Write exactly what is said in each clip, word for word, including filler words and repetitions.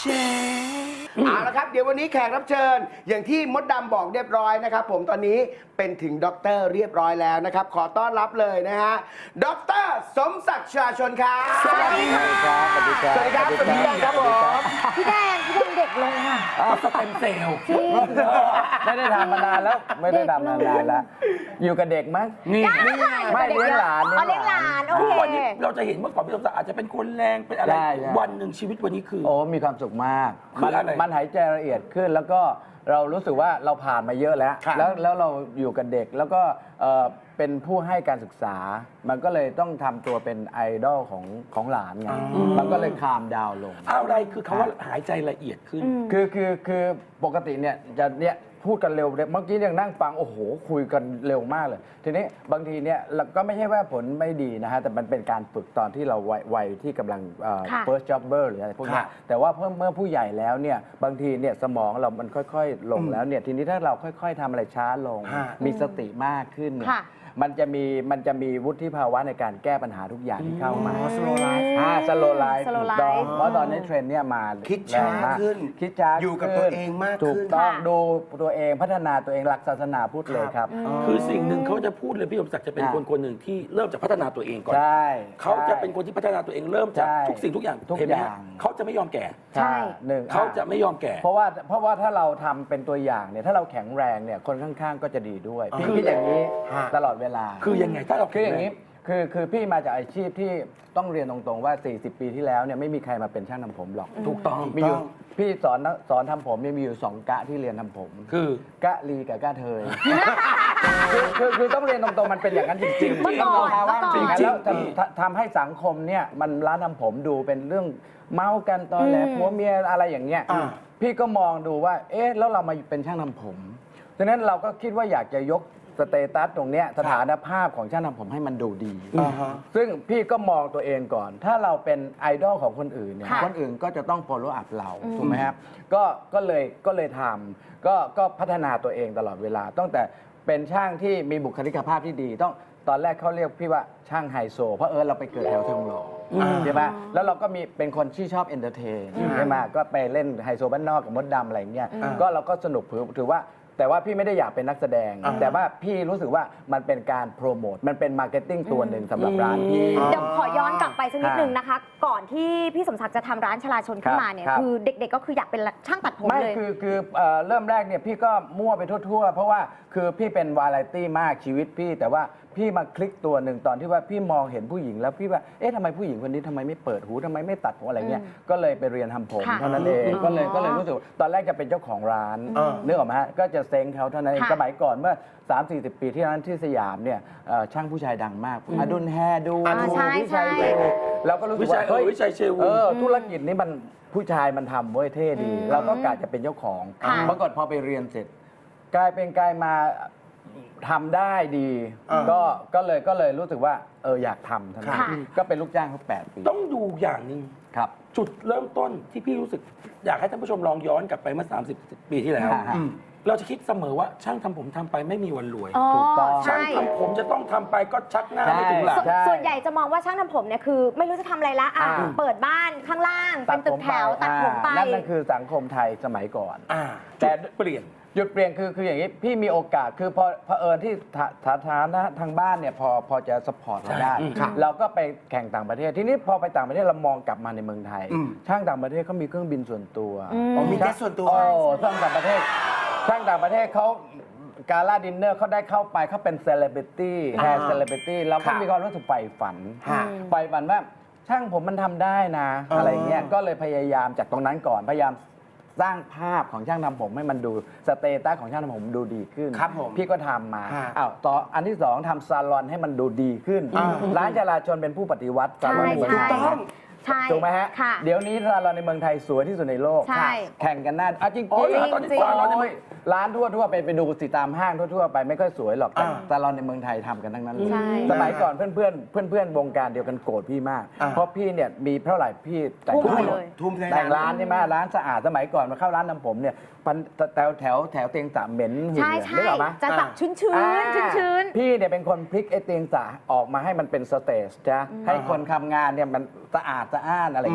เอาละครับเดี๋ยววันนี้แขกรับเชิญอย่างที่มดดำบอกเรียบร้อยนะครับผมตอนนี้เป็นถึงด็อกเตอร์เรียบร้อยแล้วนะครับขอต้อนรับเลยนะฮะด็อกเตอร์สมศักดิ์ชลาชนครับสวัสดีครับสวัสดีครับสวัสดีครับสวัสดีครับผมพี่แดงพี่แดงเด็กลงอ่ะสเต็มเซลล์ไม่ได้ทำมานานแล้วไม่ได้ทำมานานแล้วอยู่กับเด็กมั้งนี่ไม่เลี้ยงหลานอ๋อเลี้ยงหลานโอทุกเควันนี้เราจะเห็นเมื่อก่อนพี่สมศักดิ์อาจจะเป็นคนแรงเป็นอะไรใช่ใช่วันหนึ่งชีวิตวันนี้คือโอ้มีความสุขมากคือมันอะไรมันหายใจละเอียดขึ้นแล้วก็เรารู้สึกว่าเราผ่านมาเยอะแล้วครับแล้วแล้วเราอยู่กับเด็กแล้วก็เอ่อเป็นผู้ให้การศึกษา มันก็เลยต้องทำตัวเป็นไอดอลของของหลานไงมันก็เลยคามดาวลงอะไรคือคำว่าหายใจละเอียดขึ้นคือคือคือปกติเนี่ยจะเนี่ยพูดกันเร็วเมื่อกี้ยังนั่งฟังโอ้โหคุยกันเร็วมากเลย ทีนี้บางทีเนี่ยเราก็ไม่ใช่ว่าผลไม่ดีนะฮะแต่มันเป็นการฝึกตอนที่เราวัยวัยที่กำลังเอ่อค่ะ first jobber หรืออะไรพวกนี้ค่ะแต่ว่าเพิ่มเมื่อผู้ใหญ่แล้วเนี่ยบางทีเนี่ยสมองเรามันค่อยๆ ลงแล้วเนี่ยทีนี้ถ้าเราค่อยๆทำอะไรช้าลงฮะมีสติมากขึ้นเนี่ยค่ะมันจะมีมันจะมีวุฒิภาวะในการแก้ปัญหาทุกอย่างที่เข้ามาอ๋อ slow life อ่า slow life slow ถูกต้อง life เพราะตอนนี้เทรนด์เนี่ยมาคิดช้าแรงมกขึ้นคิดช้าอยู่กับขึ้นตัวเองมากถูกขึ้นต้องค่ะดูตัวเองพัฒนาตัวเองหลักศาสนาพุทธเลยครับคือสิ่งหนึ่งเขาจะพูดเลยพี่สมศักดิ์จะเป็นอ่าคนคนหนึ่งที่เริ่มจากพัฒนาตัวเองก่อนใช่เขาจะเป็นคนที่พัฒนาตัวเองเริ่มจากใช่ทุกสิ่งทุกอย่างทุกเห็นไหมอย่าฮะงเขาจะไม่ยอมแก่ใช่หนึ่งเขาจะไม่ยอมแก่เพราะว่าเพราะว่าถ้าเราทำเป็นตัวอย่างเนี่ยถ้าเราแข็งแรงเนี่ยคนข้างๆก็จะดีด้วยพี่คิดอย่างนี้ฮะตลอดเวลาคือยังไงถ้าเราคืออย่างนี้คือคือพี่มาจากอาชีพที่ต้องเรียนตรงๆว่า สี่สิบ ปีที่แล้วเนี่ยไม่มีใครมาเป็นช่างทำผมหรอกถูกต้องมีอยู่พี่สอนสอนทำผมเนี่ยมีอยู่สองกะที่เรียนทำผมคือกะลีกับกะเทย คือคือคือต้องเรียนตรงๆมันเป็นอย่างนั้นจริงๆเมื่อก่อนภาวะเมื่อก่อนจริงๆแล้วทำทำทำให้สังคมเนี่ยมันร้านทำผมดูเป็นเรื่องเมากันตอนแหลผัวเมียอะไรอย่างเงี้ยอ่าพี่ก็มองดูว่าเอ๊ะแล้วเรามาเป็นช่างทำผมฉะนั้นเราก็คิดว่าอยากจะยกสเตตัสตรงเนี้ยสถานภาพของช่างทำผมให้มันดูดีอ่าฮะซึ่งพี่ก็มองตัวเองก่อน ถ้าเราเป็นไอดอลของคนอื่นเนี่ยค่ะคนอื่นก็จะต้อง follow up เรา ถูกไหมครับ ก็ก็เลยก็เลยทำก็ก็พัฒนาตัวเองตลอดเวลา ตั้งแต่เป็นช่างที่มีบุคลิกภาพที่ดี ต้องตอนแรกเขาเรียกพี่ว่าช่างไฮโซ เพราะเออเราไปเกิดแถวทองหล่ออใช่ไหมแล้วเราก็มีเป็นคนที่ชอบเอนเตอร์เทนใช่ไหมก็ไปเล่นไฮโซบ้านนอกกับมดดำอะไรอย่างเงี้ย ก็เราก็สนุกถือถือว่า แต่ว่าพี่ไม่ได้อยากเป็นนักแสดง แต่ว่าพี่รู้สึกว่ามันเป็นการโปรโมท มันเป็นมาร์เก็ตติ้งตัวหนึ่งสำหรับร้านพี่เดี๋ยวขอย้อนกลับไปสักนิดนึงนะคะ ก่อนที่พี่สมศักดิ์จะทำร้านชลาชนขึ้นมาเนี่ยครับคือเด็กๆก็คืออยากเป็นช่างตัดผมไม่เลยคือคือเอ่อเริ่มแรกเนี่ยพี่ก็มั่วไปทั่วๆ เพราะว่าคือพี่เป็นวาไรตี้มากชีวิตพี่ แต่ว่าพี่มาคลิกตัวหนึ่งตอนที่ว่าพี่มองเห็นผู้หญิงแล้วพี่ว่าเอ๊ะทำไมผู้หญิงคนนี้ทำไมไม่เปิดหูทำไมไม่ตัดผมอะไรเงี้ยก็เลยไปเรียนทำผมค่ะเท่านั้นเองก็เลยก็เลยรู้สึกว่าตอนแรกจะเป็นเจ้าของร้านนึกออกไหมฮะก็จะเซ้งเขาเท่านั้นเองค่ะสมัยก่อนเมื่อ สามสี่สิบ ปีที่นั้นที่สยามเนี่ยเอ่อช่างผู้ชายดังมากอดุลแฮดูอ่าใช่วิชัยใช่ดูเราก็รู้สึวิกชัว่ายเออวิชัยเชวูเออธุรกิจนี้มันผู้ชายมันทำเว้ยเท่ดี เราก็กะจะเป็นเจ้าของค่ะปรากฏพอไปเรียนเสร็จ กลายเป็นกลายมาทำได้ดีอ่าก็ก็เลยก็เลยรู้สึกว่าเอออยากทำทั้งนั้นค่ะก็เป็นลูกจ้างเขาแปดปีต้องดูอย่างหนึ่งครับจุดเริ่มต้นที่พี่รู้สึก อยากให้ท่านผู้ชมลองย้อนกลับไปเมื่อ สามสิบ ปีที่แล้วฮะเราจะคิดเสมอว่าช่างทำผมทำไปไม่มีวันรวยอ๋อถูกต้องช่างใช่ทำผมจะต้องทำไปก็ชักหน้าใช่ไม่ถึงหลังส่วนใช่ส่วนใหญ่จะมองว่าช่างทำผมเนี่ยคือ ไม่รู้จะทำอะไรละอ่ะอ่าเปิดบ้านข้างล่าง เป็นตึกแถวตัดผมไปอ่านั่นนั่นคือสังคมไทยสมัยก่อนอ่าแต่จุดเปลี่ยนจุดเปลี่ยนคือคืออย่างนี้พี่มีโอกาสคือพอเผอิญที่ฐาฐาฐานะทางบ้านเนี่ยพอพอจะสปอร์ตเราได้ใช่อืมครับเราก็ไปแข่งต่างประเทศ ทีนี้พอไปต่างประเทศเรามองกลับมาในเมืองไทยอืมช่างต่างประเทศเขามีเครื่องบินส่วนตัวอืมอ๋อมีเจ็ตส่วนตัวโอ้ช่างต่างประเทศช่างต่างประเทศเขาการล่าดินเนอร์เขาได้เข้าไปเขาเป็นเซเลบริตี้แฮร์เซเลบริตี้เราก็ค่ะมีความรู้สึกใฝ่ฝันค่ะใฝ่ฝันว่าช่างผมมันทำได้นะอ๋อออะไรเงี้ยก็เลยพยายามจากตรงนั้นก่อนพยายามสร้างภาพของช่างทำผมให้มันดูสเตตัสของช่างทำผมดูดีขึ้นครับผมพี่ก็ทำมาฮะอ้าวต่ออันที่สองทำซาลอนให้มันดูดีขึ้นอ่าร้านจราจรเป็นผู้ปฏิวัติซาลอนในเมืองใช่ไทยใช่ ใช่ถูกไหมฮะค่ะเดี๋ยวนี้ซาลอนในเมืองไทยสวยที่สุดในโลกใช่แข่งกันหน้าอ่ะจริงอ๋อเหรอๆตอนนี้จริงซาลอนในเมืองร้านทั่วทั่วๆไปไปดูสิตามห้างทั่วๆไปไม่ค่อยสวยหรอกแต่อ่าซาลอนในเมืองไทยทำกันทั้งนั้นเลยใช่สมัยก่อนเพื่อนเพื่อนเพื่อนเพื่อนๆวงการเดียวกันโกรธพี่มากอ่าเพราะพี่เนี่ยมีเท่าไหร่พี่แต่งทุ่มให้ไปหมเลดยทุ่มในแต่งร้านใช่ไหมร้านสะอาดสมัยก่อนมาเข้าร้านทำผมเนี่ยปันแถวแถวแถวเตียงสามเหม็นหืนใช่เลยใช่นึกออกไหมจะแบบชื้นชื้นอ่าชื้นชื้นพี่เนี่ยเป็นคนพลิกไอ้เตียงสาออกมาให้มันเป็นสเตจจ้ะให้คนทำงานเนี่ยมันสะอาดสะอ้านอะไรเงี้ย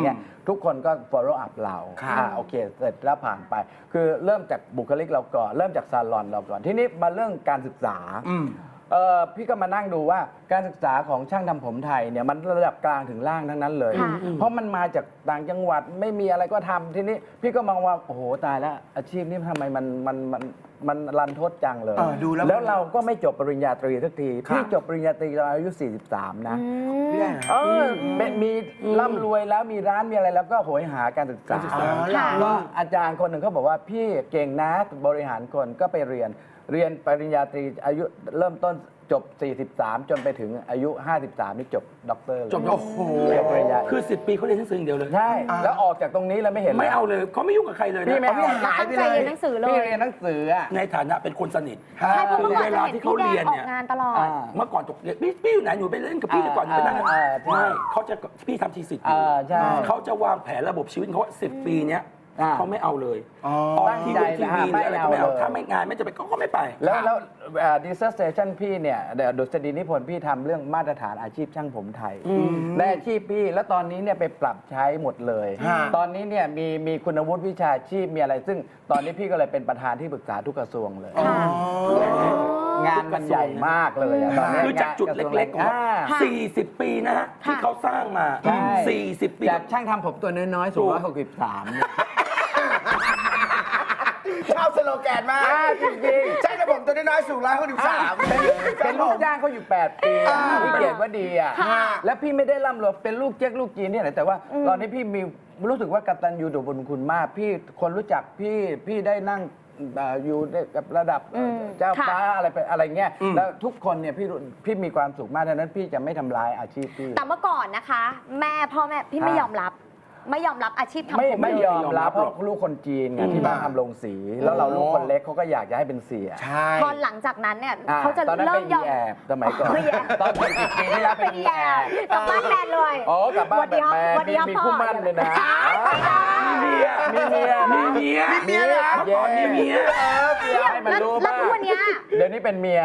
ทุกคนก็ follow up เราครับอ่าโอเคเสร็จแล้วผ่านไป คือเริ่มจากบุคลิกเราก่อน เริ่มจากซาลอนเราก่อน ทีนี้มาเรื่องการศึกษาอืมเออพี่ก็มานั่งดูว่าการศึกษาของช่างทำผมไทยเนี่ยมันระดับกลางถึงล่างทั้งนั้นเลยค่ะเพราะมันมาจากต่างจังหวัดไม่มีอะไรก็ทำทีนี้พี่ก็มองว่าโอ้โหตายแล้วอาชีพนี้ทำไมมันมันมันมันรันทดจังเลยเออดูแล้วแล้วเราก็ไม่จบปริญญาตรีสักทีครับพี่จบปริญญาตรีตอนอายุ สี่สิบสาม นะเรื่องเออเป็นมีร่ำรวยแล้วมีร้านมีอะไรแล้วก็โหยหาการศึกษาการศึกษาค่ะก็อาจารย์คนหนึ่งเขาบอกว่าพี่เก่งนะบริหารคนก็ไปเรียน เรียนปริญญาตรีอายุเริ่มต้นจบ สี่สิบสาม จนไปถึงอายุ ห้าสิบสาม นี่จบด็อกเตอร์เลยจบโอ้โหจบปริญญาคือสิบปีเขาเรียนหนังสืออย่างเดียวเลยใช่ แล้วออกจากตรงนี้แล้วไม่เห็นไม่ลยเอาเลยเขาไม่ยุ่งกับใครเลยนะพี่ไม่เอาหายไปตั้งใจเลยเรียนหนังสือเลพี่ยเรียนหนังสืออ่ะในฐานะเป็นคนสนิทใช่เพราะเมื่อก่อนเวจะลาเห็นที่เขาพี่แดเรียงนอเนี่อย กงานตลอดอ่าเมื่อก่อนตกเรียนพี่พี่อยู่ไหนหนูไปเล่นกับพี่ดีกว่าหนูไปนั่งอ่าอ่าใช่ไม่เขาจะพี่ทำทีสิทธิ์อยู่อ่าใช่เขาจะวางแผนระบบชีวิตเขาสิบปีเนี้ยอ่าเขาไม่เอาเลยอ๋อออกทีวีทีวีหรืออะไรก็ไม่เอาไม่เอาเลยถ้าไม่งานไม่จะไปนเขาก็ไม่ไปแล้วแล้วดิสเซอร์สเตชันพี่เนี่ยเดี๋ยวดุษฎีนิพนธ์พี่ทำเรื่องมาตรฐานอาชีพช่างผมไทยในอาชีพพี่แล้วตอนนี้เนี่ยไปปรับใช้หมดเลยฮะตอนนี้เนี่ยมีมีคุณวุฒิวิชาชีพมีอะไร ซึ่งตอนนี้พี่ก็เลยเป็นประธานที่ปรึกษาทุกกระทรวงเลยค่ะงานมันใหญ่มากเลยอะตอนนี้คือจากจุดเล็กๆของอ่าสี่สิบปีนะฮะที่เขาสร้างมาใช่สี่สิบปีจากช่างทำผมตัวน้อยๆสูงร้อยหกสิบสามเนี่ยชอบสโลแกนมากอ่าจริงๆใช่ระบบตัวน้อยๆสูงร้อยหกสิบสามเป็นเป็นลูกจ้างเขาอยู่ แปด ปีอ่าพี่เกียรติว่าดีอ่ะค่ะแล้วพี่ไม่ได้ร่ำรวยเป็นลูกเจ๊กลูกจีนเนี่ยแหละแต่ว่าตอนนี้พี่มีรู้สึกว่ากตัญญูต่อบุญคุณมาก พี่คนรู้จักพี่พี่ได้นั่งเอ่ออยู่ในกับระดับอืมเจ้าค่ะฟ้าอะไรไปอะไรเงี้ยแล้วทุกคนเนี่ยพี่รู้พี่มีความสุขมากดังนั้นพี่จะไม่ทำร้ายอาชีพพี่แต่เมื่อก่อนนะคะ แม่พ่อแม่พี่ไม่อ่ายยอมรับ ไม่ยอมรับอาชีพทำไม่ผมไม่เลยยอมรับเพราะลูกคนจีนไงที่บ้านทำโรงสี แล้วเราลูกคนเล็กเขาก็อยากจะให้เป็นเสียใช่พอหลังจากนั้นเนี่ยอ่เขาจะตอนนั้นเริ่เป็มนยอีอมแอบสมัยก่อนไม่แย่ตอนเป็นสิบปีที่แล้วเป็นอีแย่แอบกลับบ้านแมนเลยโอ้กลับบ้านแบบแมนสวัสดีมีครับมีพ่อคู่มั่นเลยนะมีเมียมีเมียมีเมียมีเมียเหรอเมื่อก่อนมีเมียเออเปลี่ยนให้มันรู้แล้วบ้างทุกวันเนี้ยเดี๋ยวนี้เป็นเมีย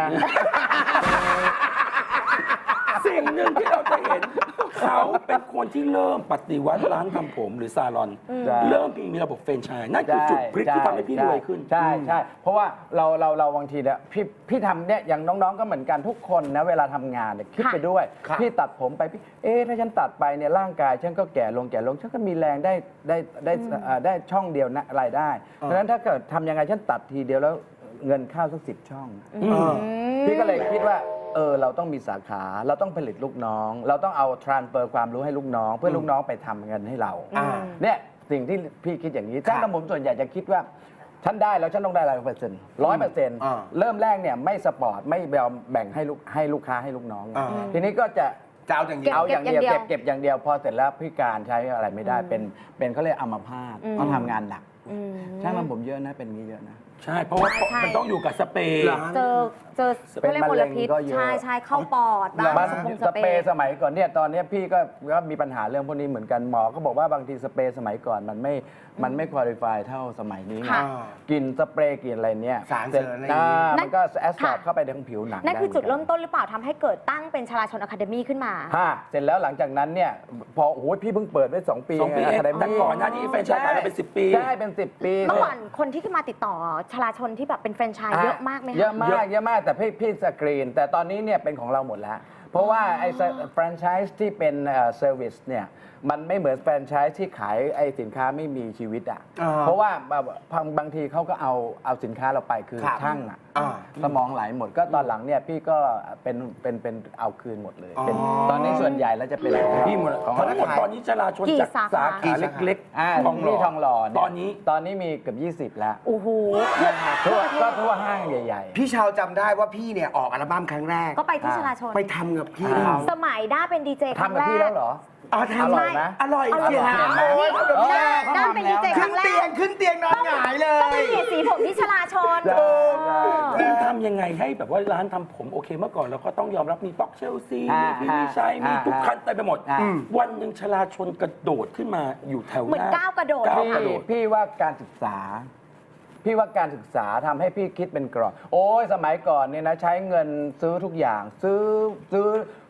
สิ่งหนึ่งที่เราจะเห็น เขาเป็นคนที่เริ่มปฏิวัติร้านทำผมหรือซาลอนใช่เริ่มมีระบบแฟรนไชส์นั่นคือจุดพลิกที่ทำให้พี่รวยขึ้นใช่ใช่เพราะว่าเราเราเราบางทีเนี่ยพี่พี่ทำเนี่ยอย่างน้องๆก็เหมือนกันทุกคนนะเวลาทำงานเนี่ยคิดไปด้วยค่ะพี่ตัดผมไปพี่เอ๊ะถ้าฉันตัดไปเนี่ยร่างกายฉันก็แก่ลงแก่ลงฉันก็มีแรงได้ได้ได้เอ่อได้ช่องเดียวนะรายได้เพราะฉะนั้นถ้าเกิดทำยังไงฉันตัดทีเดียวแล้วเงินเข้าสักสิบช่องเออพี่ก็เลยคิดว่าเออเราต้องมีสาขา เราต้องผลิตลูกน้อง เราต้องเอาทรานเ f อร์ความรู้ให้ลูกน้อง เพื่อลูกน้องไปทำเงินให้เราอ่าเนี่ยสิ่งที่พี่คิดอย่างนี้ช่างทำผมส่วนใหญ่จะคิดว่าฉันได้แล้วฉันต้องได้ร้อยเปอร์เซ็นต์ร้อยเปอร์เซ็นต์อ่าเริ่มแรกเนี่ยไม่สปอร์ตไม่ยอมแบ่งให้ลูกให้ลูกค้าให้ลูกน้องอ่าทีนี้ก็จะจะเอาอย่างเดียวเอาอย่างเดียวเก็บเก็บเก็บอย่างเดียวพอเสร็จแล้วพิการใช้อะไรไม่ได้เป็นเป็นเขาเรียกอัมพาตอืมต้องทำงานหนักอืมช่างทำผมเยอะนะเป็นอย่างนี้เยอะนะใช่ เพราะว่าใช่ใช่มันต้องอยู่กับสเปรย์เหรอเจอเจอเป็นเขาเรียกมลพิษมะเร็งก็เยอะใช่ใช่เข้าปอดบ้างมันสปงสเปรย์สมัยก่อนเนี่ยตอนเนี้ยพี่ก็ก็มีปัญหาเรื่องพวกนี้เหมือนกันหมอก็บอกว่าบางทีสเปรย์สมัยก่อนมันไม่มันไม่คุริฟายเท่าสมัยนี้ไงค่ะกลินสเปรย์กลินอะไรเนี่ยสารเสริญอะไรอย่างงี้อ่ามันก็แอสซอร์บค่ะเข้าไปในผิวหนังนั่นคือไหจุดกัเริ่มต้นหรือเปล่าทำให้เกิดตั้งเป็นชลาชนอะคาเดมี่ขึ้นมาฮะเสร็จแล้วหลังจากนั้นเนี่ยพอโอ้โหพี่เพิ่งเปิดได้สองปีสองปีไงเอง Academy แต่ก่อนหน้านี้แฟรนไชส์ขายมาเป็นสิบปีใช่เป็นสิบปีเมื่อก่อนคนที่ขึ้นมาติดต่อชลาชนที่แบบเป็นแฟรนไชส์เยอะมากไหมคะเยอะมากเยอะมากแต่พี่พี่สกรีน แต่ตอนนี้เนี่ยเป็นของเราหมดแล้ว เพราะว่าไอ้แฟรนไชส์ที่เป็นเซอร์วิสเนี่ยมันไม่เหมือนแฟรนไชส์ที่ขายไอ้สินค้าไม่มีชีวิตอ่ะอ่าเพราะว่าบางบางทีเขาก็เอาเอาสินค้าเราไปคือครับช่างอ่ะอ่าสมองไหลหมดก็ตอนหลังเนี่ยพี่ก็เป็นเป็นเป็นเอาคืนหมดเลยเป็นอ๋อตอนนี้ส่วนใหญ่แล้วจะเป็นของพี่หมดของทั้งหมดตอนนี้จราชนกี่จากสาขาสาขาเล็กอ่าๆทองหล่ที่ทองหล่อเนี่ยตอนนี้ตอนนี้มีเกือบยี่สิบแล้วโอ้โหทั่วก็ทั่วห้างใหญ่ๆพี่ชาวจำได้ว่าพี่เนี่ยออกอัลบั้มครั้งแรกก็ไปที่ชลาชนไปทำกับพี่อ่าเขาสมัยด้าเป็นดีเจครั้งทำกับแรพี่กแล้วเหรออ๋ออทำร่อยไหมอร่อยอร่อยเชียวมากโอ้ยนี่ทำกับพี่ด้าด้าเป็นดีเจคขึ้รั้นงแรเตียกงขึ้นเตียงนอนหงายเลต้องไปยเปลี่ยนสีผมที่ชลาชนใช่ใช่คุณทำยังไงให้แบบว่าร้านทำผมโอเคเมื่อก่อนเราก็ต้องยอมรับมีป๊อกเชลซีอ่ามีพี่วิชัยอ่ามีมีทุกคันเต็มไปหมดอ่าวันหนึ่งชลาชนกระโดดขึ้นมาอยู่แถวหเหมือนน้าก้าวกระโดดก้าวพี่กระโดดพี่ว่าการศึกษา พี่ว่าการศึกษาทำให้พี่คิดเป็นกรอบโอ้ยสมัยก่อนเนี่ยนะใช้เงินซื้อทุกอย่าง ซื้อซื้อ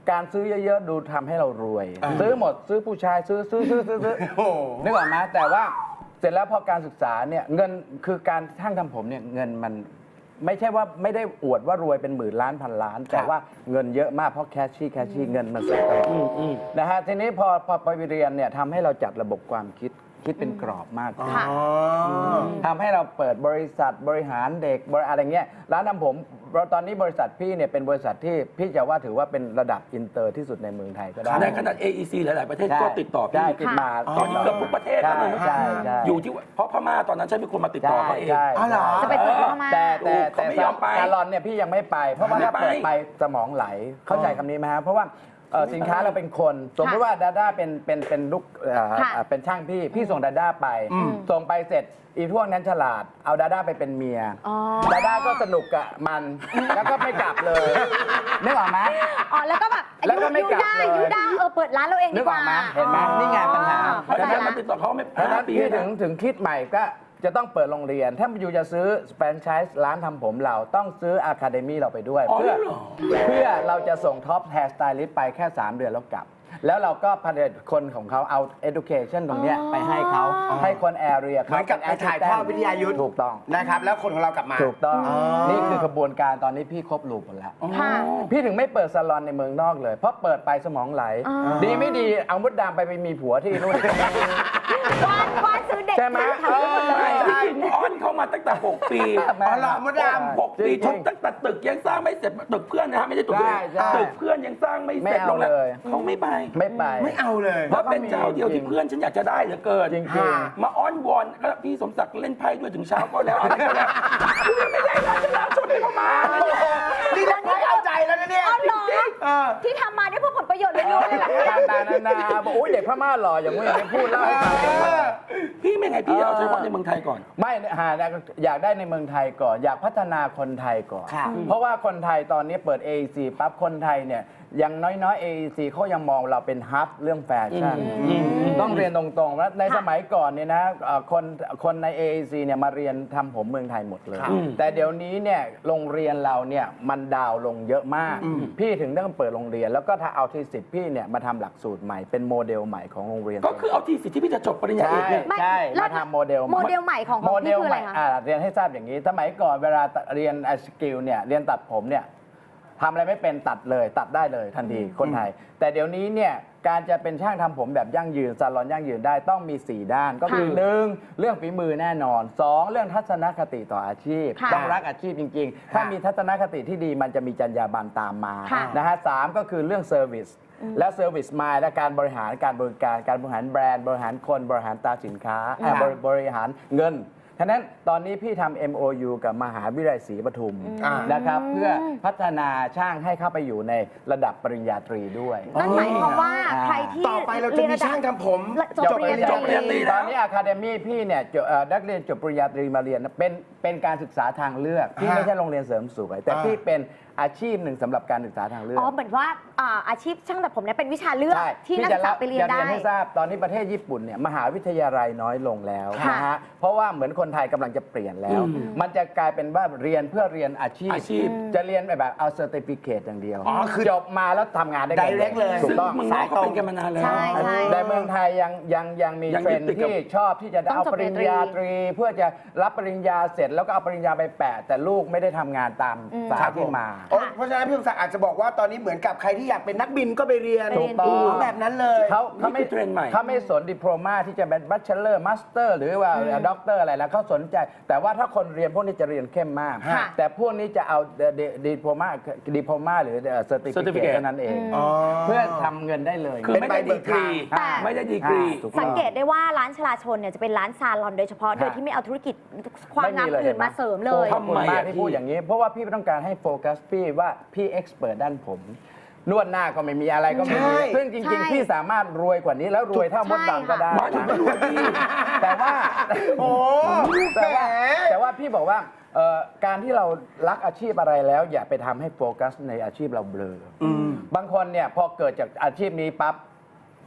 การซื้อเยอะๆดูทำให้เรารวย ซื้อหมดซื้อผู้ชายซื้อซื้อซื้อซื้อซื้อโอ้โหนึกออกไหมแต่ว่าเสร็จแล้วพอการศึกษาเนี่ยเงินคือการช่างทำผมเนี่ยเงินมันไม่ใช่ว่าไม่ได้อวดว่ารวยเป็นหมื่นล้านพันล้าน แต่ว่าเงินเยอะมากเพราะแคชชี่แคชชี่เงินมันสดตลอดนะฮะทีนี้พอพอไปเรียนเนี่ยทำให้เราจัดระบบความคิดคิดเป็นกรอบมากขึ้นค่ะทำให้เราเปิดบริษัทบริหารเด็กบริอะไรเงี้ยร้านทำผมเราตอนนี้บริษัทพี่เนี่ยเป็นบริษัทที่พี่จะว่าถือว่าเป็นระดับอินเตอร์ที่สุดในเมืองไทยก็ได้ในขนาด เอ อี ซี หลาย ๆ ประเทศใช่ก็ติดต่อพี่ใช่ติดมาตอนนี้เกือบทุกประเทศแล้วนะใช่ใช่อยู่ที่ว่าเพราะพม่าตอนนั้นฉันเป็นคนมาติดต่อเขาเองใช่อ๋อเหรอจะไปเปิดที่พม่าแต่แต่แต่เขาไม่ยอมไปซาลอนเนี่ยพี่ยังไม่ไป เพราะว่าถ้าไม่ไปเปิดไปสมองไหลเข้าใจคำนี้ไหมฮะเพราะว่าเอ่อสินค้าเราเป็นคนสมมติว่าดาด้าเป็นเป็นเป็นลูกเอ่อค่ะเอ่อเป็นช่างพี่พี่ส่งดาด้าไป ส่งไปเสร็จอีพวกนั้นฉลาดเอาดาด้าไปเป็นเมียอ๋อดาด้าก็สนุกกับมัน แล้วก็ไม่กลับเลยนึกออกไหมอ๋อแล้วก็แบบแล้วก็ไม่ยูกลับด้าเลยยูด้าเออเปิดร้านเราเองนึดีกกออว่ากไหมเห็นไหมนี่ไงปัญหาอ๋อเพราะฉะนั้นเข้าใจมาละติดต่อเขาไม่เพราะฉะห้านั้นปีพี่ถึนะงถึงคิดใหม่ก็จะต้องเปิดโรงเรียน ถ้าอยู่จะซื้อแฟรนไชส์ร้านทำผมเราต้องซื้ออะคาเดมี่เราไปด้วยอ๋อเพื่อเหรอเพื่อเราจะส่งท็อปแฮร์สไตลิสต์ไปแค่ สาม เดือนแล้วกลับ แล้วเราก็ผลิตคนของเขาเอา education ตรงเนี้ยไปให้เขาให้คนแอเรียเหมือนกับไปถ่ายทอดวิทยายุทธ์ถูกต้องนะครับ แล้วคนของเรากลับมาถูกต้องอ๋อนี่คือกระบวนการตอนนี้พี่ครบลูปหมดแล้วค่ะพี่ถึงไม่เปิดซาลอนในเมืองนอกเลย เพราะเปิดไปสมองไหลอ๋อดีไม่ดีเอามดดำไปไปมีผัวที่นู่นวานวานซื้อเด็กใช่ไหมทำหมดเลยไม่ที่จริงอ้อนเขามาตั้งแต่ 6 ปีอ๋อเหรอมดดำหกปีทุกตั้งแต่ตึกยังสร้างไม่เสร็จตึกเพื่อนนะฮะไม่ใช่ตึกตัวเองใช่ใช่ตึกเพื่อนยังสร้างไม่เสร็จไม่เอาโรงแรมเลยเขาไม่ไปไม่ไปไม่เอาเลยเพราะเป็นเจ้าเดียวที่เพื่อนฉันอยากจะได้เหลือเกินจริงค่ะมาอ้อนวอนก็พี่สมศักดิ์เล่นไพ่ด้วยถึงเช้าก็แล้วอะไรก็แล้วกูยังไม่ได้ราชนาชนไปพม่าเลยเนี่ยนี่เราไม่เอาใจแล้วนะเนี่ยอ๋อเหรอเออที่ทำมาได้เพื่อผลประโยชน์ล้วนๆเลยเหรอต่างต่างๆนานาบอกโอ้ยเด็กพม่าหล่ออย่างนี้อย่างนี้พูดเล่าให้ฟังพี่ไม่ไงพี่เอาเฉพาะในเมืองไทยก่อนไม่หาอยากได้ในเมืองไทยก่อน อยากพัฒนาคนไทยก่อนค่ะเพราะว่าคนไทยตอนนี้เปิด เอ อี ซี ปั๊บคนไทยเนี่ยอย่างน้อยๆ เอ อี ซี เขายังมองเราเป็นฮับเรื่องแฟชั่นต้องเรียนตรงๆว่าในสมัยก่อนเนี่ยนะเอ่อคนคนใน เอ อี ซี เนี่ยมาเรียนทำผมเมืองไทยหมดเลยครับแต่เดี๋ยวนี้เนี่ยโรงเรียนเราเนี่ยมันดาวน์ลงเยอะมาก พี่ถึงต้องเปิดโรงเรียน แล้วก็ถ้าเอาทีสิบพี่เนี่ยมาทำหลักสูตรใหม่เป็นโมเดลใหม่ของโรงเรียนก็คือเอาที่สิทธิ์ที่พี่จะจบปริญญาเอใช่กเนี่ยไม่ใช่แล้วมาทำโมเดลโมเดลใหม่ของขโมองเดพี่ลคือใหอะไรม่คะอ่าเรียนให้ทราบอย่างนี้ สมัยก่อนเวลาเรียนสกิลเนี่ยเรียนตัดผมเนี่ยทำอะไรไม่เป็นตัดเลยตัดได้เลยทันทีคนไทย แต่เดี๋ยวนี้เนี่ยการจะเป็นช่างทำผมแบบยั่งยืนซาลอนยั่งยืนได้ต้องมี สี่ ด้าน ก็คือค่ะหนึ่งเรื่องฝีมือแน่นอนสองเรื่องทัศนคติต่ออาชีพค่ะต้องรักอาชีพจริง ๆ ถ้ามีทัศนคติที่ดีมันจะมีจรรยาบรรณตามมาค่ะนะฮะสามก็คือเรื่องเซอร์วิสและเซอร์วิสมายและการบริหารการบริการการบริหารแบรนด์บริหารคนบริหารตราสินค้าอ่าบริบริหารเงินฉะนั้นตอนนี้พี่ทำ เอ็ม โอ ยู กับมหาวิทยาลัยศรีปทุมอ่านนะครับเพื่อพัฒนาช่างให้เข้าไปอยู่ในระดับปริญญาตรีด้วยนั่นหมายความว่าอ่าใครที่ต่อไปเราจะมีช่างทำผมจบปริญญาจบปริญญาตรีตอนนี้อะคาเดมี่พี่เนี่ยจบเอ่อนักเรียนจบปริญญาตรีมาเรียนนะเป็นเป็นการศึกษาทางเลือกพี่ฮะไม่ใช่โรงเรียนเสริมสวย แต่อ่าพี่เป็นอาชีพหนึ่งสำหรับการศึกษาทางเลือกอ๋อเหมือนว่าอ่าอาชีพช่างตัดผมเนี่ยเป็นวิชาเลือกใช่ที่นักศึกษาไปเรียนจะได้เรียนให้ทราบตอนนี้ประเทศญี่ปุ่นเนี่ยมหาวิทยาลัยน้อยลงแล้วค่ะนะฮะเพราะว่าเหมือนคนไทยกำลังจะเปลี่ยนแล้ว มันจะกลายเป็นว่าเรียนเพื่อเรียนอาชีพอาชีพจะเรียนแบบเอาเซอร์ติฟิเคตอย่างเดียวอ๋อคือจบมาแล้วทำงานได้ Direct เลยถูซึ่กงต้องเมืองนอกเขาเป็นกันมานานแล้วใช่ใช่แต่เมืองไทยยังยังยังมียังเทรยึนดด์ติดกับที่ชอบที่จะต้องเอาจบปริญญาตรี เพื่อจะรับปริญญาเสร็จแล้วก็เอาปริญญาไปแปะ แต่ลูกไม่ได้ทำงานตามสายที่มาโอ้เพราะฉะนั้นพี่สมศักดิ์อาจจะบอกว่าตอนนี้เหมือนกับใครที่อยากเป็นนักบินก็ไปเรียนถูกต้องแบบนั้นเลยเขาเขาไม่นี่คือเทรนด์ใหม่เขาไม่สนดิโพลมาที่จะเป็นบัชเชอร์มาสเตอร์หรือว่าด็อกเตอร์อะไรแล้วเขาสนใจ แต่ว่าถ้าคนเรียนพวกนี้จะเรียนเข้มมากค่ะแต่พวกนี้จะเอาดิโพลมาดิโพลมาหรือเซอร์ติฟิเคต Certificate เท่านั้นเองอ๋อเพื่อทำเงินได้เลยคือไม่ได้ดีกรีแต่ไม่ได้ดีกรีถูกต้องสังเกตได้ว่าร้านชลาชนเนี่ยจะเป็นร้านซาลอนโดยเฉพาะ โดยที่ไม่เอาธุรกิจความงามอื่นมาเสริมเลยขอบคุณมากที่พูดอย่างนี้ เพราะว่าพี่ต้องการให้โฟกัสพี่ว่าพี่เอ็กซ์เพรสด้านผม นวดหน้าก็ไม่มีอะไรก็ไม่มีใช่ซึ่งจริงใช่ๆ พี่สามารถรวยกว่านี้แล้วรวยเท่ามดดำก็ได้หมายถึงไม่รวยพี่แต่ว่าโอ้แต่ว่าแหมแต่ว่าพี่บอกว่าเอ่อการที่เรารักอาชีพอะไรแล้ว อย่าไปทำให้โฟกัสในอาชีพเราเบลออบางคนเนี่ยพอเกิดจากอาชีพนี้ปั๊บ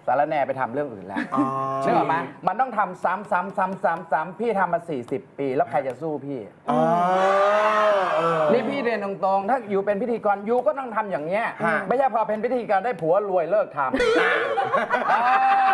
สารแหน่ไปทำเรื่องอื่นแล้วอ๋อนึกออกไหมมันต้องทำซ้ำซ้ำซ้ำซ้ำซ้ำพี่ทำมา สี่สิบ ปีแล้วใครจะสู้พี่อ๋อเออนี่พี่เรียนตรงๆ ถ้าอยู่เป็นพิธีกรอยู่ก็ต้องทำอย่างเงี้ยฮะไม่ใช่พอเป็นพิธีกรได้ผัวรวยเลิกทำอ่า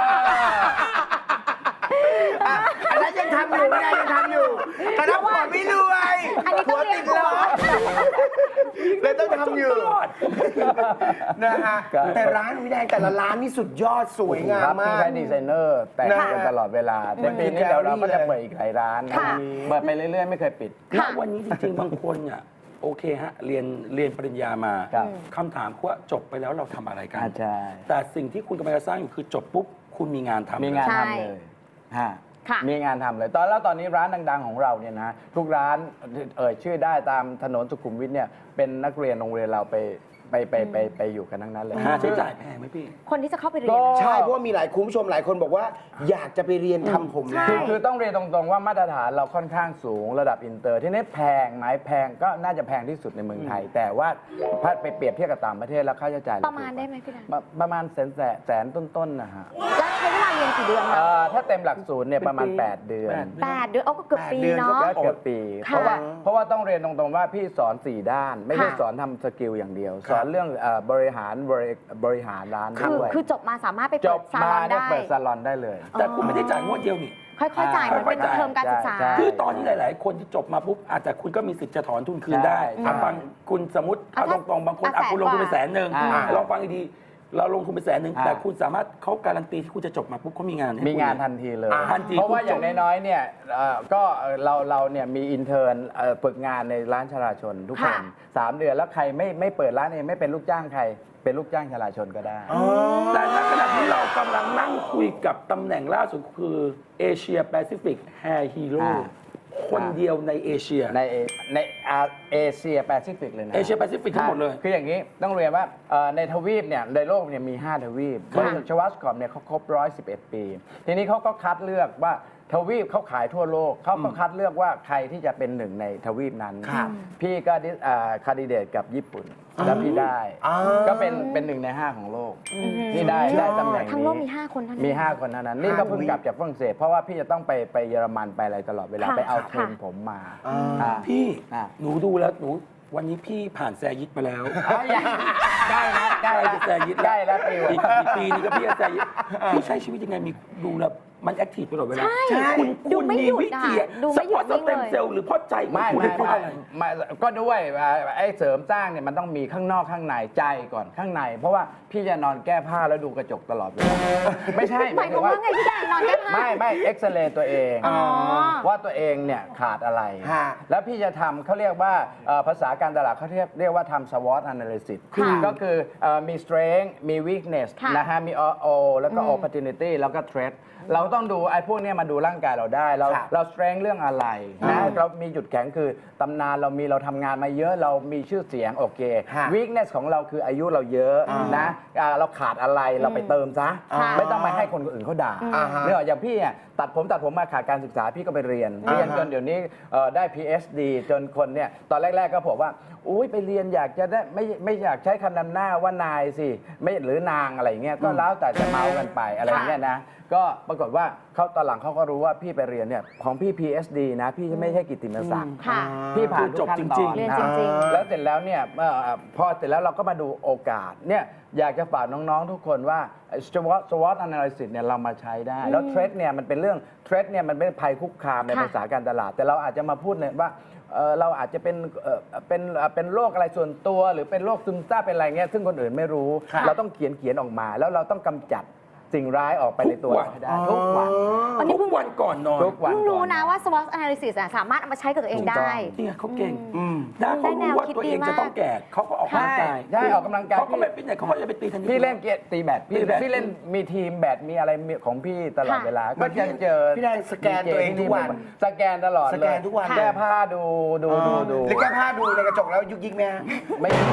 อ่ะอันนั้นยังทำอยู่ไม่ได้ยังทำอยู่แต่ถ้าผัวไม่รวยอันนี้ต้องเรียนผัวเลยต้องทำอยู่ตลอดนะฮะแต่ร้านวินัยแต่ละร้านนี่สุดยอดสวยงามครับมาพี่กใช้ดีไซเนอร์แต่งนะกันตลอดเวลาในมันปีนี้คือเดี๋ยวเราก็จะแกลลี่เปิดอีกหลายร้านนะค่ะเปิดไปเรื่อยๆ ไม่เคยปิดณวันนี้จริงๆ บางคนอ่ะโอเคฮะเรียนเรียนปริญญามาครับคำถามคือว่าจบไปแล้วเราทำอะไรกันอาใช่แต่สิ่งที่คุณกำลังจะสร้างอยู่คือจบปุ๊บคุณมีงานทำมีงานใช่ทำเลยฮะค่ะมีงานทำเลย ตอนแล้วตอนนี้ร้านดังๆของเราเนี่ยนะ ทุกร้านเอ่ยชื่อได้ตามถนนสุขุมวิทเนี่ย เป็นนักเรียนโรงเรียนเราไปไปไปไปไปอยู่กันทั้งนั้นเลยค่าใช้จ่ายแพงไหมพี่คนที่จะเข้าไปเรียนก็อะใช่เพราะว่ามีหลายคุณผู้ชมหลายคนบอกว่า อยากจะไปเรียนทำผมใช่นะคือคือต้องเรียนตรงๆว่ามาตรฐานเราค่อนข้างสูงระดับอินเตอร์ ที่นี้แพงไหมแพงก็น่าจะแพงที่สุดในเมืองไทย แต่ว่าถ้าไปเปรียบเทียบกับต่างประเทศแล้วค่าใช้จ่ายเประมาณได้ไหมพี่นันประประมาณแสนแสนแสนต้นๆนะฮะแล้วใช้เวลาเรียนกี่เดือนคะเอ่อถ้าเต็มหลักสูตรเนี่ยประมาณเป็นปีแปด เดือนแปดแปดเดือนเอาก็เกือบปีแปดเดือนเนาะก็เกือบปีค่ะเพราะว่าเพราะว่าต้องเรียนตรงๆว่าพี่สอนสี่ด้าน ไม่ใช่ค่ะสอนทำสกิลอย่างเดียว สอนเรื่องเอ่อบริหารบริบริหารร้านคือด้วยคือจบมาสามารถไปจเปิบดซามาลอนเนี่ยได้เปิดซาลอนได้เลยแต่คุณไม่ได้จ่ายงวดเดียวนี่ค่อยๆจ่ายมันเป็นค่อยๆจ่ายเทอมการศึกษาใช่คือตอนนี้หลาย ๆ คนที่จบมาปุ๊บอาจจะคุณก็มีสิทธิ์จะถอนทุนคืนได้ใช่อ่ะฟังคุณสมมติเอาอ่ะตรงๆบางคนอ่ะอ่ะคุณลงทุนไปแสแสนนกว่าหนึ่งอ่าลองฟังดีๆเราลงทุนไปแสนหนึ่งอ่าแต่คุณสามารถเขาการันตีที่คุณจะจบมาปุ๊บเขามีงานให้มีคุณงานทันทีเลยอ่าทันทีเพราะว่าคุณจบอย่างน้อยๆเนี่ยเอ่อก็เราเราเนี่ยมีอินเทอร์นเอ่อฝึกงานในร้านชลาชนทุกคนค่ะสามเดือนแล้วใครไม่ไม่เปิดร้านเองไม่เป็นลูกจ้างใคร เป็นลูกจ้างชลาชนก็ได้แต่ณขณะที่เรากำลังนั่งคุยกับตำแหน่งล่าสุดคือเอเชียแปซิฟิกแฮร์ฮีโร่อ่าคนเดียวในเอเชียในเอในอาเอเชียแปซิฟิกเลยนะเอเชียแปซิฟิกทั้งหมดเลยคืออย่างนี้ต้องเรียนว่าเอ่อในทวีปเนี่ยในโลกเนี่ยมี ห้า ทวีปบริษัทชวัสคอมเนี่ยเขาครบหนึ่งร้อยสิบเอ็ด ปี ทีนี้เขาก็คัดเลือกว่าทวีปเขาขายทั่วโลกเขาก็คัดเลือกว่าใครที่จะเป็นหนึ่งในทวีปนั้นครับพี่ก็ดิคาดิเดตกับญี่ปุ่นแล้วพี่ได้อ่าก็เป็นเป็นหนึ่งในห้าของโลกนี่ได้ได้ตำแหน่งนี้ทั้งโลกมีห้าคนเท่านั้นมี ห้า คนเท่านั้น นี่ก็เพิ่งกลับจากฝรั่งเศส เพราะว่าพี่จะต้องไปไปเยอรมันไปอะไรตลอดเวลาค่ะไปเอาเทรนค่ะผมมาอ่าอ่าพี่อ่ะหนูดูแล้วหนูวันนี้พี่ผ่านแซยิดมาแล้วอ่ะยังใกล้แล้วใกล้แล้วแซยิดใกล้แล้วปีอีกอีกปีนึงก็พี่จะแซยิดพี่ใช้ชีวิตยังไงมีดูแล้วมันแอคทีฟตลอดเวลาใช่คุณดูคุณไม่มีหยุดวิธีอ่ะดูไม่หยุดสเต็มวิ่งเลยเซลล์หรือเพราะใจของไม่คุณไม่เพราะไม่อะไรไม่ก็ด้วยอ่าไอ้เสริมสร้างเนี่ยมันต้องมีข้างนอกข้างในใจก่อนข้างใน เพราะว่าพี่จะนอนแก้ผ้าแล้วดูกระจกตลอดเวลาไม่ใช่หมายความว่าไงพี่แดงนอนแก้ผ้าไม่ไม่เอ็กซเรย์ตัวเองอ๋อว่าตัวเองเนี่ยขาดอะไรฮะแล้วพี่จะทำเขาเรียกว่าเอ่อภาษาการตลาดเขาเรียกเรียกว่าทำ SWOT analysis ค่ะก็คือเอ่อมี strength มี weakness ค่ะนะฮะมี O แล้วก็ opportunity แล้วก็ threat เราต้องดูไอ้พวกเนี้ยมาดูร่างกายเราได้ เราครับเรา strength เรื่องอะไรนะเรามีจุดแข็งคือตำนานเรามีเราทำงานมาเยอะเรามีชื่อเสียงโอเคฮะ weakness ของเราคืออายุเราเยอะนะอ่าเราขาดอะไรเราไปเติมซะค่ะไม่ต้องมาให้คนอื่นเขาด่าอ่าฮะเนี่ยอย่างพี่อ่ะตัดผมตัดผมมาขาดการศึกษาพี่ก็ไปเรียน เรียนจนเดี๋ยวนี้เอ่อได้ พี เอช ดี จนคนเนี่ยตอนแรก ๆ ก็บอกว่าอุ้ยไปเรียนอยากจะได้ไม่ไม่อยากใช้คำนำหน้าว่านายสิไม่หรือนางอะไรอย่างเงี้ยก็แล้วแต่จะเมากันไปอะไรอย่างเงี้ยนะก็ปรากฏว่าเขาตอนหลังเขาก็รู้ว่าพี่ไปเรียนเนี่ยของพี่ พี เอช ดี นะ พี่ไม่ใช่กิตติมศักดิ์ค่ะพี่ผ่านทุกขั้นตอนเรียนนะจริงๆแล้วเสร็จแล้วเนี่ยเอ่อพอเสร็จแล้วเราก็มาดูโอกาสเนี่ยอยากจะฝากน้องๆทุกคนว่า SWOT SWOT analysis เนี่ยเรามาใช้ได้ แล้ว threat เนี่ยมันเป็นเรื่อง threat เนี่ยมันเป็นภัยคุกคามในค่ะภาษาการตลาด แต่เราอาจจะมาพูดเลยว่าเอ่อเราอาจจะเป็นเอ่อเป็นเอ่อเป็นโรคอะไรส่วนตัว หรือเป็นโรคซึมเศร้าเป็นอะไรเงี้ยซึ่งคนอื่นไม่รู้ค่ะเราต้องเขียนเขียนออกมา แล้วเราต้องกำจัดสิ่งร้ายออกไปในตัวทุกวันเราให้ได้ทุกวันอันนี้ทุเพิ่กงวันก่อนนอนทุกวันเพิ่งรู้ก่อนะว่า SWOT analysis อะสามารถเอามาใช้กับตัวเองได้นี่ไงเขาเก่งอืมถ้าเขารู้ว่าได้แนวคิดตัวเองดีมากจะต้องแก่เขาก็ออกกำลังกายใช่ใช่ออกกำลังกายเขาก็ไม่ฟิตเนสเขาก็จะไปตีเทนนิสพี่เล่นเกียร์ตีแบดพี่ตีแบดพี่เล่นมีทีมแบดมีอะไรมีของพี่ตลอดค่ะเวลามันก็จะเจอพี่แดงสแกนตัวเองทุกวันสแกนตลอดเลยสแกนทุกวันแก้ผ้าดูดูดูดูหรือแก้ผ้าดูในกระจกแล้วยุกยิกไหมฮะไม่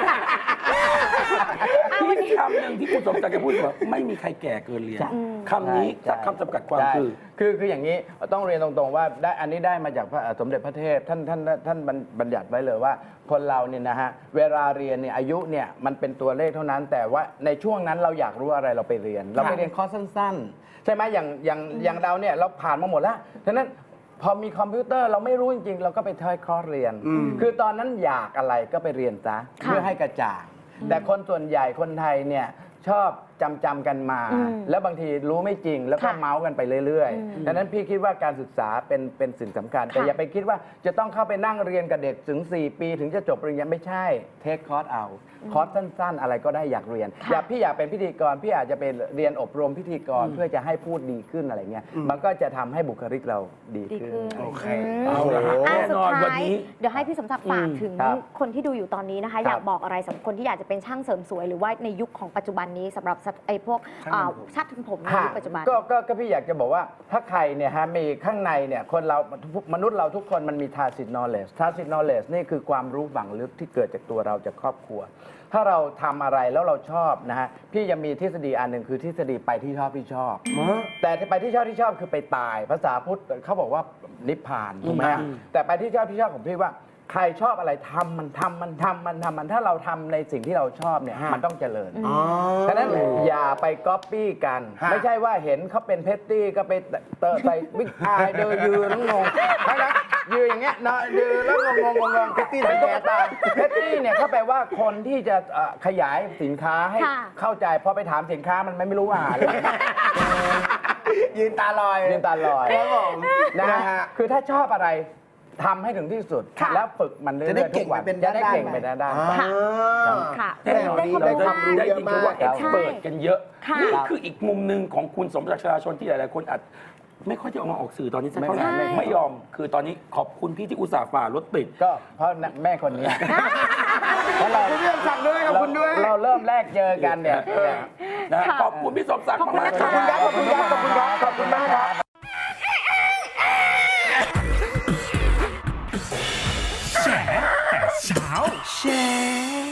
ที่คำหนึ่งที่คุณสมศักดิ์จะพูดว่าไม่มีใครแก่เกินเรียนคำนี้ใช่คำจำกัดความใช่คือคือคืออย่างนี้ต้องเรียนตรงๆว่าได้อันนี้ได้มาจากพระสมเด็จพระเทพท่านท่านท่านบัญบัญญัติไว้เลยว่า คนเราเนี่ยนะฮะเวลาเรียนเนี่ยอายุเนี่ยมันเป็นตัวเลขเท่านั้น แต่ว่าในช่วงนั้นเราอยากรู้อะไรเราไปเรียน เราไปเรียนคอร์สสั้นๆ ใช่ไหมอย่างอย่างอย่างเราเนี่ยเราผ่านมาหมดแล้วฉะนั้นพอมีคอมพิวเตอร์เราไม่รู้จริงๆ เราก็ไปทอยคอร์สเรียน คือตอนนั้นอยากอะไรก็ไปเรียนซะเพื่อให้กระจ่างแต่คนส่วนใหญ่คนไทยเนี่ยชอบจำจำกันมาอืมแล้วบางทีรู้ไม่จริงแล้วก็ค่ะเมาส์กันไปเรื่อยอืมๆ ดังนั้นพี่คิดว่าการศึกษาเป็นเป็นสิ่งสำคัญ แต่ค่ะอย่าไปคิดว่าจะต้องเข้าไปนั่งเรียนกับเด็กถึง สี่ ปีถึงจะจบปริญญาไม่ใช่เทคคอร์สเอาคอร์สสั้นๆ อะไรก็ได้อยากเรียนค่ะอยากพี่อยากเป็นพิธีกรพี่อาจจะไปเรียนอบรมพิธีกรเพื่อจะให้พูดดีขึ้นอะไรเงี้ยมันก็จะทำให้บุคลิกเราดีดีขึ้นขึ้นโอเคมเอาละฮะอ่ะแน่สุดนอนวันท้ายนี้เดี๋ยวให้พี่สมศักดิ์ฝากถึงครับคนที่ดูอยู่ตอนนี้นะคะครับอยากบอกอะไรสำหรับคนที่อยากจะเป็นช่างเสริมสวย หรือว่าในยุคของปัจจุบันนี้สำหรับไอ้พวกอ่าช่างทำผมในยุคปัจจุบันก็ก็ก็พี่อยากจะบอกว่าถ้าใครเนี่ยฮะมีข้างในเนี่ยคนเรามนุษย์เราทุกคนมันมี tacit knowledge tacit knowledge นี่คือความรู้ฝังลึกที่เกิดจากตัวเราจากครอบครัว ถ้าเราทำอะไรแล้วเราชอบนะฮะพี่ยังมีทฤษฎีอันหนึ่งคือทฤษฎีไปที่ชอบที่ชอบ แต่ไปที่ชอบที่ชอบคือไปตาย ภาษาพุทธเขาบอกว่านิพพานถูกไหมฮะแต่ไปที่ชอบที่ชอบของพี่ว่า ใครชอบอะไรทำมันทำมันทำมันทำมันถ้าเราทำในสิ่งที่เราชอบเนี่ยมันต้องเจริญอ๋อฉะนั้นอย่าไปก๊อปปี้กันฮะไม่ใช่ว่าเห็นเขาเป็นเพตตี้ก็ไปเตอะใส่บิ๊กอายเดินยืนแล้วงงทั้งนั้นยืนอย่างเงี้ยนะยืนแล้วงงงงงงเพตตี้เป็นตุ๊กตาเพตตี้เนี่ยเขาแปลว่าคนที่จะเอ่อขยายสินค้าให้ค่ะเข้าใจพอไปถามสินค้ามันไม่รู้ว่าเลยยืนตาลอยยืนตาลอยครับผมนะนะฮะฮะคือถ้าชอบอะไรทำให้ถึงที่สุดค่ะแล้วฝึกมันเรื่จะได้อยๆทุกวันเก่งไปเป็นจะได้ด้านๆเก่งไปด้านด้านอ่าค่ะแน่นอนได้ความเรารู้จะมากได้ยินคำว่าเยเอ็อะกมากซ์เปิดกันเยอะค่ะนี่คืออีกมุมหนึ่งของคุณสมศักดิ์ชลาชนที่หลายๆคนอาจไม่ค่อยจะออกมาออกสื่อตอนนี้สักเท่าไหร่ใช่ไม่ยอม คือตอนนี้ขอบคุณพี่ที่อุตส่าห์ฝ่ารถติดก็เพราะแม่คนนี้เพราะเราคุณเรื่องสั่งด้วยขอบคุณด้วยเราเริ่มแรกเจอกันเนี่ยเนี่ยนะค่ะขอบคุณพี่สมศักดิ์ขอบคุณมากนะๆคะครับขอบคุณครับขอบคุณครับขอบคุณมากครับแฉแต่เช้าแชร์